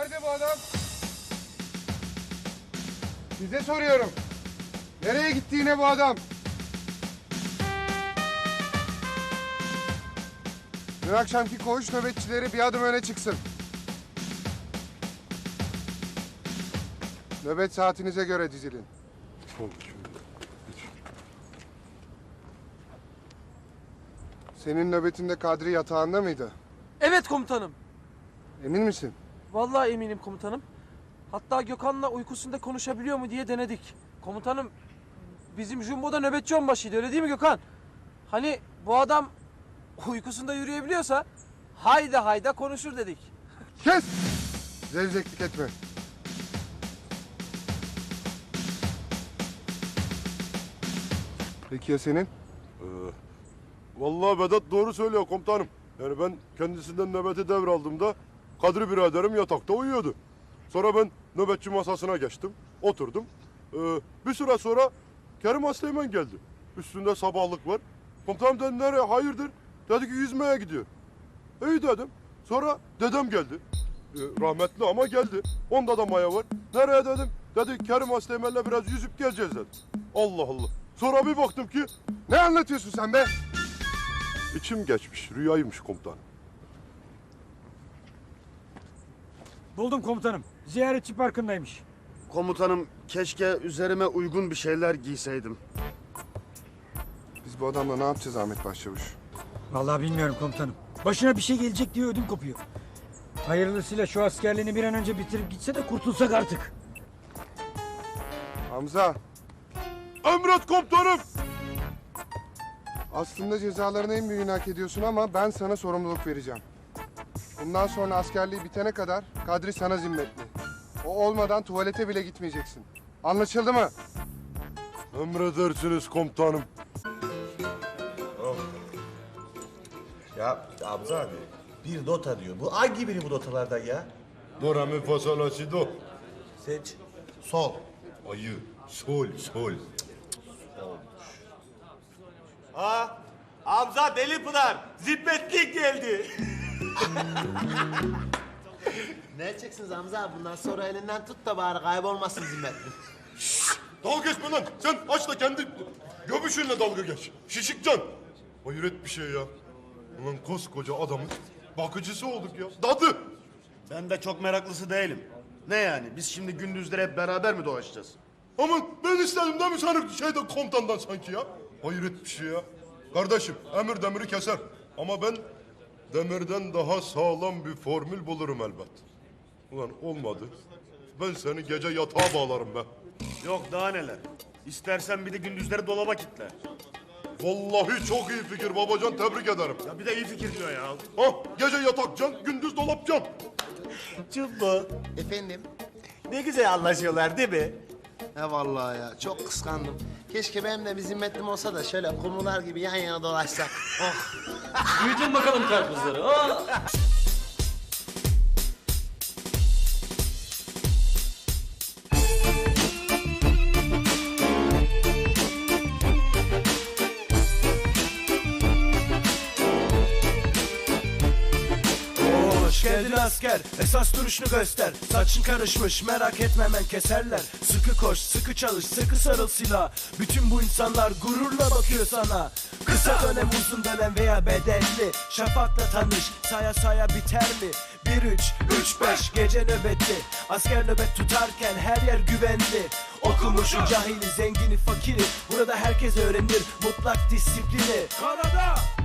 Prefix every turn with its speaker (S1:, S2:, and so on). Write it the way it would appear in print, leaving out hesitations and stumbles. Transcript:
S1: Nerede bu adam? Size soruyorum. Nereye gitti yine bu adam? Dün akşamki koğuş nöbetçileri bir adım öne çıksın. Nöbet saatinize göre dizilin. Senin nöbetinde Kadri yatağında mıydı?
S2: Evet komutanım.
S1: Emin misin?
S2: Vallahi eminim komutanım. Hatta Gökhan'la uykusunda konuşabiliyor mu diye denedik. Komutanım bizim Jumbo'da nöbetçi onbaşıydı, öyle değil mi Gökhan? Hani bu adam uykusunda yürüyebiliyorsa hayda hayda konuşur dedik.
S1: Kes! Zevzeklik etme. Peki ya senin?
S3: Vallahi Vedat doğru söylüyor komutanım. Yani ben kendisinden nöbeti devraldığımda Kadri biraderim yatakta uyuyordu. Sonra ben nöbetçi masasına geçtim, oturdum. Bir süre sonra Kerim Asteğmen geldi. Üstünde sabahlık var. Komutanım dedim nereye? Hayırdır? Dedi ki yüzmeye gidiyor. İyi dedim. Sonra dedem geldi. Rahmetli ama geldi. Onda da maya var. Nereye dedim? Dedi Kerim Asteğmen'le biraz yüzüp geleceğiz dedi. Allah Allah. Sonra bir baktım ki
S1: Ne anlatıyorsun sen be?
S3: içim geçmiş. Rüyaymış komutanım.
S4: Buldum komutanım. Ziyaretçi parkındaymış.
S5: Komutanım keşke üzerime uygun bir şeyler giyseydim.
S1: Biz bu adamla ne yapacağız Ahmet Başçavuş?
S4: Vallahi bilmiyorum komutanım. Başına bir şey gelecek diye ödüm kopuyor. Hayırlısıyla şu askerliğini bir an önce bitirip gitse de kurtulsak artık.
S1: Hamza,
S3: Emret komutanım.
S1: aslında cezalarını en büyüğünü hak ediyorsun ama ben sana sorumluluk vereceğim. Bundan sonra askerliği bitene kadar Kadri sana zimmetli. O olmadan tuvalete bile gitmeyeceksin. Anlaşıldı mı?
S3: Emredersiniz komutanım.
S6: Ya Hamza abi bir nota diyor. Bu hangi biri bu notalardan ya?
S3: Do, re, mi, fa, sol, la, si, do.
S6: Seç. Sol.
S3: Ayı, sol, sol.
S6: Ha? Hamza Delipınar. Zimmetlik geldi.
S7: Ne edeceksiniz Hamza abi? Bundan sonra elinden tut da bari kaybolmasın zimmetli.
S3: Dalga geçme lan. Sen aç da kendi göbüşünle dalga geç. Şişikcan. Hayret bir şey ya. Ulan koskoca adamın bakıcısı olduk ya. Dadı.
S5: Ben de çok meraklısı değilim. Ne yani biz şimdi gündüzleri hep beraber mi dolaşacağız?
S3: Aman ben istedim değil mi sana şeyden komutandan sanki ya? Hayret bir şey ya. Kardeşim emir demiri keser. Ama ben demirden daha sağlam bir formül bulurum elbet. Ulan olmadı. Ben seni gece yatağa bağlarım be.
S5: Yok daha neler. İstersen bir de gündüzleri dolaba kitle.
S3: Vallahi çok iyi fikir babacan, tebrik ederim.
S5: Ya bir de iyi fikir diyor ya.
S3: Ha, gece yatakcan, gündüz dolapcan.
S6: Cumbo.
S7: Efendim?
S6: Ne güzel anlaşıyorlar değil mi?
S7: He vallahi ya çok kıskandım. Keşke benim de bir zimmetlim olsa da şöyle kumrular gibi yan yana dolaşsak. Oh.
S2: Büyütün bakalım karpuzları. Oh.
S8: Hoş geldin asker, esas duruşunu göster. Saçın karışmış, merak etme hemen keserler. Sıkı koş, sıkı çalış, sıkı sarıl silah. Bütün bu insanlar gururla bakıyor sana. Kısa dönem, uzun dönem veya bedelli. Şafakla tanış, saya saya biter mi? 1-3-3-5 gece nöbeti. Asker nöbet tutarken her yer güvenli. Okumuşu, cahili, zengini, fakiri. Burada herkes öğrenir mutlak disiplini. Karada